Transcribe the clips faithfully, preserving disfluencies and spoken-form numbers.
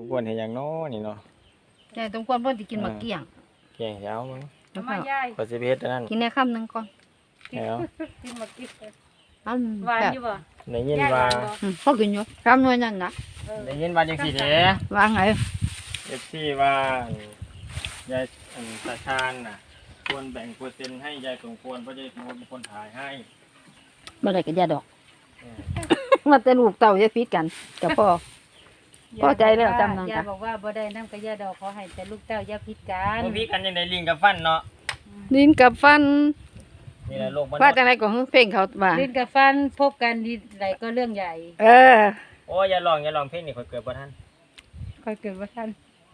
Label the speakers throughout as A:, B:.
A: ควรเห็นอย่างน้อนี่เนาะ
B: ใช่สมควรเพิ่นสิกินหมากเกี้ยง
A: เกี่ยงเช้ามั้ง
B: แล้ว
C: มา
B: ก็
C: ยาย
A: ก็สิเพชรนั่น
B: กินในคำหนึงก่อน
A: แล้ว
C: กินมากิน
B: อัน
C: หวาน
B: แบบ
C: อยู่บ่
A: ได้ยิน
C: ยายห
A: ว่า
C: วานบ่
B: อืมพอกินอยู่คำหน่วยนั่นนะ
C: เออ
A: ได้ยินว่าจังซี่เด้
B: ว่าไง
A: เอฟซีว่ายายอันตาชาญน่ะควรแบ่งเปอร์เซ็นต์ให้ยายสมควรเพราะยายสมควรเป็นคนถ่ายให้
B: บ่ได้ก็อย่าดอก
A: เออ
B: มาแต่ลูกเต้าอย่าพิดกันกับพ่อ พอใจแล้วจำนำจ้ะ
C: ยายบอกว่าบ่ได้น้ำกับยาดอกขอให้แต่ลูกเต้าอย่าพิดกัน
A: บ่พี่กันยังได้ลิงกับฟันเนาะ
B: ลิ้นกับฟัน
A: นี่แหละโลกมัน
B: ว่าจังไดก็เพลงเขาว่า
C: ลิ้นกับฟันพบกันดีไหลก็เรื่องใหญ่
B: เออ
A: โอ้ยอย่าลองอย่าลองเพลงนี่ข่อยเกิดบ่ทัน
C: ค่อยเกิดว่าท่าน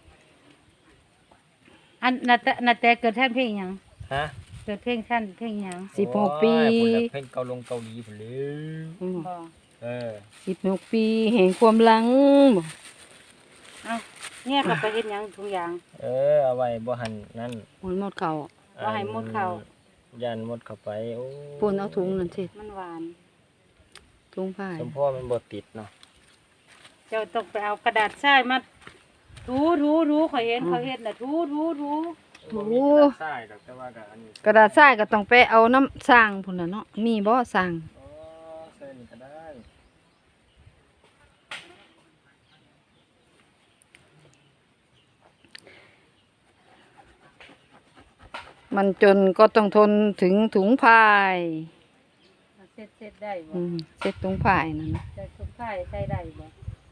C: อันนาแต่นาแต่เกิดท่านเพลงหยัง
A: ฮะ
C: เกิดเพลงท่านเพลงหยัง
B: สิบหกปี
A: โอ้ยพุ่นน่ะเพลงเกาลงเกาหลีพุ่นเลย
B: อืม
C: บ่
A: เออ
B: สิบหกปีแห่งความหลังบ่
C: เอ้าเนี่ยก็ไปเฮ็ดหยังทุกอย่าง
A: เออเอาไว้บ่หันนั่น
B: มันหมดเขา
C: บ่ให้มดเข้า
A: ยันมดเข้าไปโอ้
B: ปูนเอาถุงนั่นสิ
C: มันหวาน
B: ถุงผ้า
A: สมพ่อมันบ่ติดเนาะ
C: เจ้าต้องไปเอากระดาษทรายมาถูถูถูข่อยเห็นเขาเฮ็ดน่ะถูถูถู
A: บ่มีกระดาษทรายดอกแต่ว่าก็อันนี้
B: กระดาษทรายก็ต้องไปเอาน้ำสร้างพุ่นน่ะเนาะมีบ่สร้าง
A: อ๋อใส่นี่ก็ได้
B: มันจนก็ต้องทนถึงถุงพาย
C: มันเสร็จเสร็จได้บ่
B: อืมเซ็ตถุงพายนั่นนะ
C: แต่ทุกข่ายใช้ได้บ่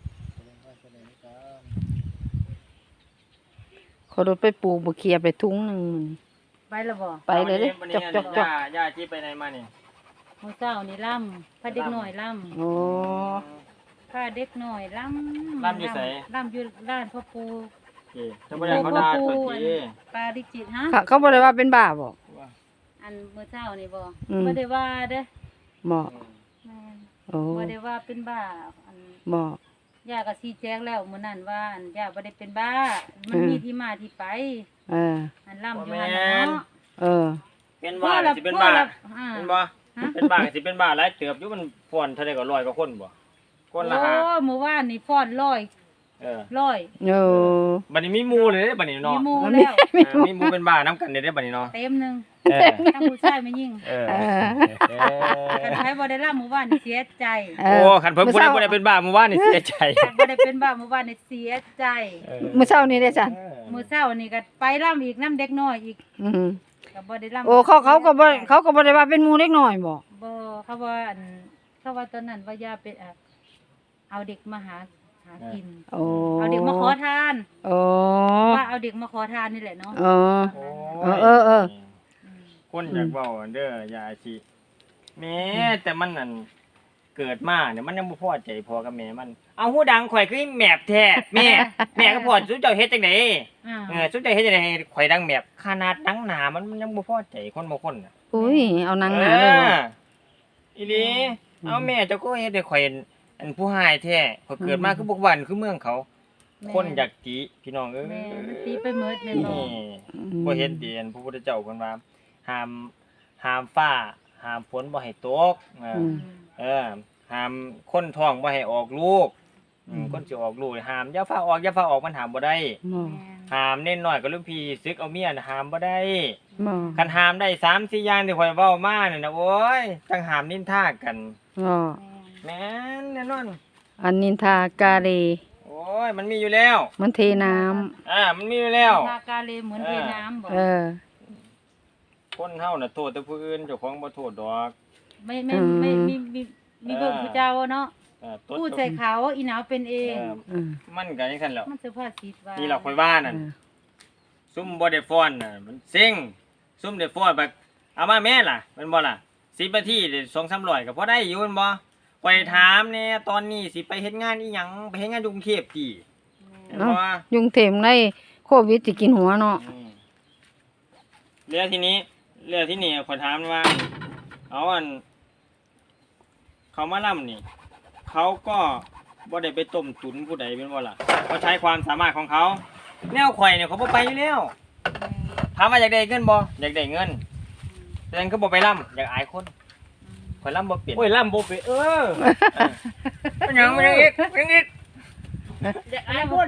B: ขอรถไปปลูกบ่เคลียร์ไปถุงหนึงมื้อนี้
C: ไปและบ่
B: ไปเลยเด้
A: วัน
B: จ
A: นี้
B: กจกจก
A: ย่าย่าที่ไปไหนมานี่
C: มื้อเช้านี่ล่ำพาเด็กน้อยล่ำ
B: โอ้
C: พาเด็กน้อยล่ำ
A: ล่ำอยู่ไส
C: ล่ำอยู่ร้านพ่อปู
A: โอเคถ้าบ่ได้เขาด่าตัวที
C: ปาริจิตฮะ
B: เขาเขาบ่ได้ว่าเป็นบ้าบ่
C: อันมื้อเช้านี่บ่
B: อืม
C: บ่ได้ว่าเด้อ
B: บ่
C: แม่น
B: โอ้
C: บ่ได้ว่าเป็นบ้าอัน
B: บ่
C: ย่าก็ชี้แจงแล้วมื้อนั้นว่าอันย่าบ่ได้เป็นบ้า มัน
B: อืม
C: มีที่มาที่ไป
B: เออ
C: อันล่ำอยู่หั่นน่ะเนาะ
B: เออ
A: เป็นบ้าสิเป็นบ้า
C: อ่า
A: เป็นบ่เป็นบ้าสิเป็นบ้าหลายเติบอยู่มันฟ้อนเท่าใดก็ร้อยกว่าคนบ่คนละ
C: โอ้
A: ห้า
C: เมื่อวานนี่ฟ้อนร้อย
A: เออ
C: ร้อย
B: โอ้
A: บัดนี้มีหมู่เลยเด้บัดนี้
C: มี
A: เนาะ
C: หมู่แล้ว
A: เออมีหมู่เป็นบ้านํกันเด้บัดนี้เนาะ
C: เต็มหนึง
A: เออ
C: ทั้งผู้ชายไม่ยิ่ง
A: เออ
B: เออ
A: เอ
C: คัน
A: อ
C: ใครบ่ได้ล่ำหมู่บ้านนี่เสียใจ
B: เอ
A: โอ้
B: อ
A: คันเพิ่นบ่ได้บ่ได้เป็นบ้าเมื่อวานนี่เสียใจ
C: คันบ่ได้เป็นบ้าหมู่บ้านนี่เสียใจ
A: เออ
B: มื้อเช้านี้ได้จ้ะ
C: มื้อเช้านี่ก็ไปล่ำอีกน้ำเด็กน้อยอีก
B: อืม
C: ก็บ่ได้ล่ำ
B: โอ้เขาเขาก็บ่เขาก็บ่ได้ว่าเป็นหมู่เล็กน้อยบ่
C: บ่เขาว่าอันเขาว่าตอนนั้นว่าย่าเป็นอ่ะเอาเด็กมาหาหากิน
B: โอ้
C: เอาเด็กมาขอทาน
B: โอ้
C: ว่าเอาเด็กมาขอทานนี่แหละเนาะ
B: โอ้
A: โอ้ย
B: เออเออ
A: คนอยากเว้าเด้อยาอาชีแม่แต่มันนั่นเกิดมาเนี่ยมันยังบ่พอใจพอกับแม่มัน เอาหูดังข่อยคือแมบแท้แม่ แม่ก็พอสุเจ้าเฮ็ดจังได๋
C: อ่า
A: เออสุเจ้าเฮ็ดจังได๋ให้ข่อยดังแมบขนาดดังหนามันมันยังบ่พอใจคนบางคนน่ะ
B: อุ้ยเอานางหนาเลยบ่
A: อออีหลีเอาแม่เจ้าก็เฮ็ดให้ข่อยอันผู้หายแท้ข่อยเกิดมาคือบ่หวันคือเมืองเขา คนอยากติพี่น้องเอ้ย
C: แม่มันตีไปเมิดแม่นบ่
A: นี่บ่เห็นเดียนพระพุทธเจ้าเพิ่นว่าห้ามห้ามฟ้าห้ามฝนบ่ให้ตกเออ
B: อื
A: อ
B: ม
A: เออห้ามคนท้องบ่ให้ออกลูกอืมคนสิออกลูกห้ามอย่าฟ้าออกอย่าฟ้าออกมันห้ามบ่ได้
B: บ่
C: แม่
A: ห้ามเน้นน้อยกับลูกพี่ซึกเอาเมียน่ะห้ามบ่ได้
B: บ่
A: คันห้ามได้สามสี่อย่างที่ข่อยเว้ามานี่นะโอ้ยจังห้ามนินทากัน
B: บ่
C: แม่
A: แม่นแน่นอน
B: อันนินทากาเล
A: โอ้ยมันมีอยู่แล้ว
B: มันเทน้ำ
A: อ่ามันมีอยู่แล้ว
C: ทากาเลเหมือนเทน้ำบ่
B: เออ
A: คนเฮาน่ะโทษแต่ผู้อื่นเจ้าของบ่โทษดอก
C: ไม่ไม่
B: อืม
C: ไม่มีมีมีเบิ่งผู้เจ้าเนาะ
A: เออตด
C: พูดใส่เขาอีหนาวเป็นเอ
A: เอง อ
B: อืม
A: มันก็จังซั่นแหล้ว
C: มันสุภาษิตว่า
A: นี่เราค่อยว่านั่นซุ่มบ่ได้ฟ้อนน่ะมันเซ็งซุ่มได้ฟ้อนแบบเอามาแม่ล่ะแม่นบ่ล่ะสิบนาทีได้สองสามร้อยก็พอได้อยู่แม่นบ่ข่อยถามแน่ตอนนี้สิไปเฮ็ดงานอีหยังไปเฮ็ดงานอยู่กรุงเทพติแม่น
B: เนาะ
A: บ่
B: ยุงเต็มในโควิดสิกินหัวเนาะ
A: อืมเรื่องทีนี้เรื่องที่นี่ข่อยถามว่า เอาอัน เขามาล่ำนี่ เขาก็บ่ได้ไปต้มตุ๋นผู้ใดเป็นบ่ล่ะเขาใช้ความสามารถของเขา แนวข่อยเนี่ยเขาบ่ไปอยู่แล้วถามว่าอยากได้เงินบ่อยากได้เงินแต่นั้นก็บ่ไปล่ำอยากอายคนข่อยล่ำบ่เป็นโอ้ยล่ำบ่เป็นเออมันหยังมันหยังอีกมันหยังอีก
C: เดี๋ยวอายคน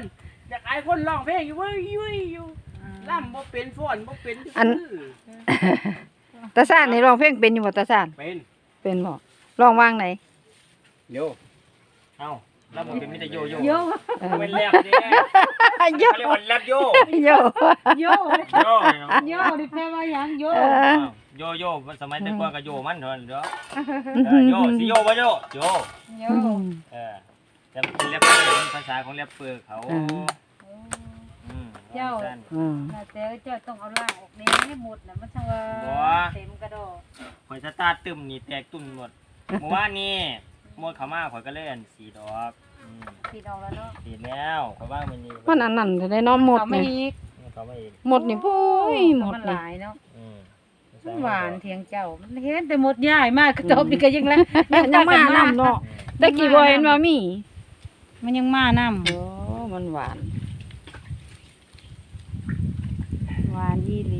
D: อยากอายคนร้องเพลงอยู่เว้ยยุ้ยอยู่ล่ำบ่เป็นฟ้อนบ่เป็น
B: อัน ตาซ่านนี่ร้องเพลงเป็นอยู่บ่ตาซ่าน
D: เป็น
B: เป็นบ่ร้องว่างไหน
D: โย
A: เอ้าแล้วมันเป็นมิตรโยโย่
C: โย
B: เออ
A: เป็นแรปเด้
B: โย
A: เขาเรียกว่าแรปโย
B: โย
C: โย
A: โยเนาะ
C: โยนี่แปลว่าหยังโย
B: เออ
A: อ้าวโยโย่สมัยแต่ก่อนก็โยมันเถอะเด้อเออโยสิโยบ่โยโย
C: โย
A: เออแต่เป็นแรปเปอร์เป็นภาษาของแรปเปอร์เขา
B: อืม
A: อืม
C: เจ้า
A: สั้น
B: อืม
C: น่าแต่เจ้าต้องเอาล่างออกแดงให้หมดน่ะมันจังว่า
A: บ่
C: เต็มกระดอก
A: ข่อยสตาร์ทตึมนี่แตกตุ่นหมดเมื่อวานนี้หมดเขามาข่อยก็เล่นสีดอกอืม
C: พี่น้องแล้วเนาะ
A: สีแล้วข่อยว่างมันนี่
B: มันอันนั้นจะได้เน้อหมด
C: เอาไม่
B: นี่
C: อีก
A: เขาไม่อีก
B: หมดนี่โอ้ยหมด
C: มันห
B: นี่
C: ลายเนาะ
A: อืม
C: มันหวานเทียงเจ้ามันเห็นแต่หมดย่ายมากกระตบนี่ก็ยังแล้ว
B: ยังมานํเนาะตะกี้บ่เห็นว่ามี
C: มันยังมานำ
B: โอ้มันหวาน
C: หวานอีหลี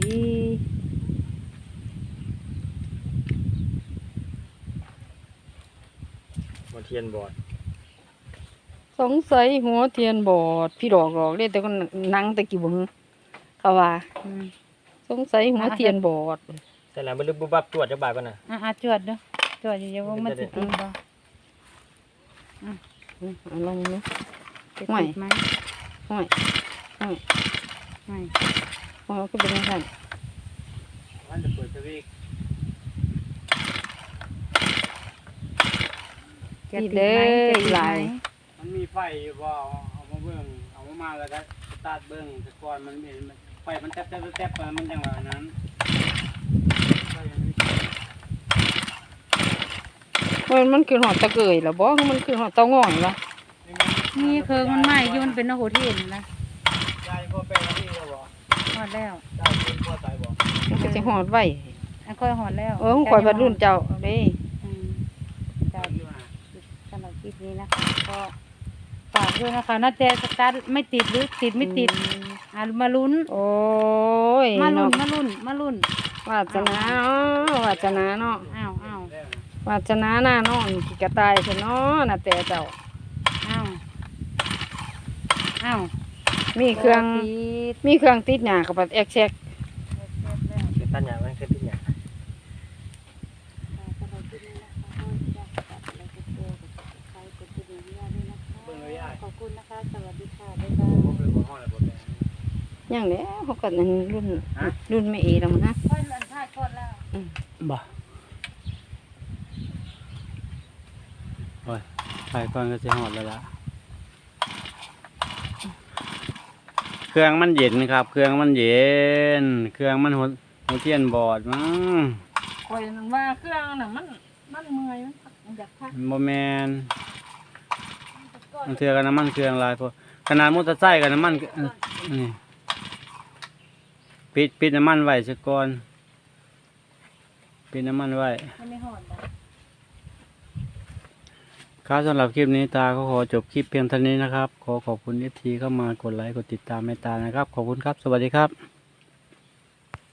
A: บ่เทียนบอด
B: สงสัยหัวเทียนบอดพี่ดอกดอกเด้แต่ก็นังตะกี้บ่ฮึเขาว่า
C: อืม
B: สงสัยหัวเทียนบอด
A: แต่ละบ่ลึกบุบบับตรวจจักบาทก่อนน่ะ
C: อ่ะๆจวดเด้อจวดอยู่ๆว่ามันสิติดบ่
B: อืมเอาลองดู
C: จะ
B: ห่วย
C: ติดไหม
B: ห้อยห้อย
C: ไม่
B: ห้อยก็เป็นจังซั่น
D: มันจะเปิดสวิตช์
C: จะติดไหมจะติดไหม
D: มันมีไฟอยู่บ่เอามาเบิ่งเอามามาแล้วก็สตาร์ทเบิ่งแต่ก่อนมันมีไฟมันแต๊บๆแต๊บๆไปมันจังว่านั้นไฟมันมี
B: มันมันคือหอดตะเกยเหรอบ่คือมันคือหอดเตาง่อยเหรอ
C: นี่เคิงมันไหม้อยู่มันเป็นโหเทนนะ
D: ยายพ่อแป้งนี่ก็บ่
C: หอดแล้ว
D: ยายเป็นพ่อตายบ่
B: มันก็สิหอดไว้
C: อันค่อยหอดแล้ว
B: เออของข่อยบัดรุ่นเจ้าเด้
C: อืมจ้าสำหรับคลิปนี้นะคะก็ฝากด้วยนะคะน่าจะสตาร์ทไม่ติดหรือติดไม่ติดอ่ะมาลุ้น
B: โอ้ย
C: มาลุ้น
B: เนาะ
C: มาลุ้นมาลุ้น
B: วาสนาเนาะวาสนาเนาะ
C: อ้าวอ้าว
B: วาสนาหน้าน้องกี่กระต่ายซะเนาะน่ะแต่เจ้า
C: อ้าวอ้าว
B: มีเครื่อง
C: ติด
B: มีเครื่องติดหน้ากับปัดแอกแซก
A: คือตันหยังมันคือติดหยัง
D: เบิ่งเลยยาย
C: ขอบคุณนะคะ สวัสดีค่ะ บ๊ายบาย
D: บ่เป็นบ่ฮ้อนแล้วบ่แป้ง
B: อย่างแล้วเขาก็นั่นรุ่นรุ่นไม่เอแล้วมั้งฮะ
C: ค่อยหลันท่ายก่อนแล้ว
D: บ่โอ้ยถ่ายก่อนก็สิฮอดแล้วล่ะเครื่องมันเย็นครับ เครื่องมันเย็น เครื่องมันหัวหัวเทียนบอดมั้ง
B: คอยนั่นว่าเครื่องน่ะมันมันเมื่อยมันอยากพัก
D: บ่แม่นมันเทื่อกันน้ำมันเครื่องหลายพอขนาดมอเตอร์ไซค์กับน้ำมันก็เออนี่ปิดปิดน้ำมันไว้ซะก่อนปิดน้ำมันไว้
C: มันไม่หอนนะ
D: ครับสำหรับคลิปนี้ตาก็ขอจบคลิปเพียงเท่านี้นะครับ ขอขอบคุณเอฟทีเข้ามากดไลค์กดติดตามให้ตานะครับ ขอบคุณครับ สวัสดีครับ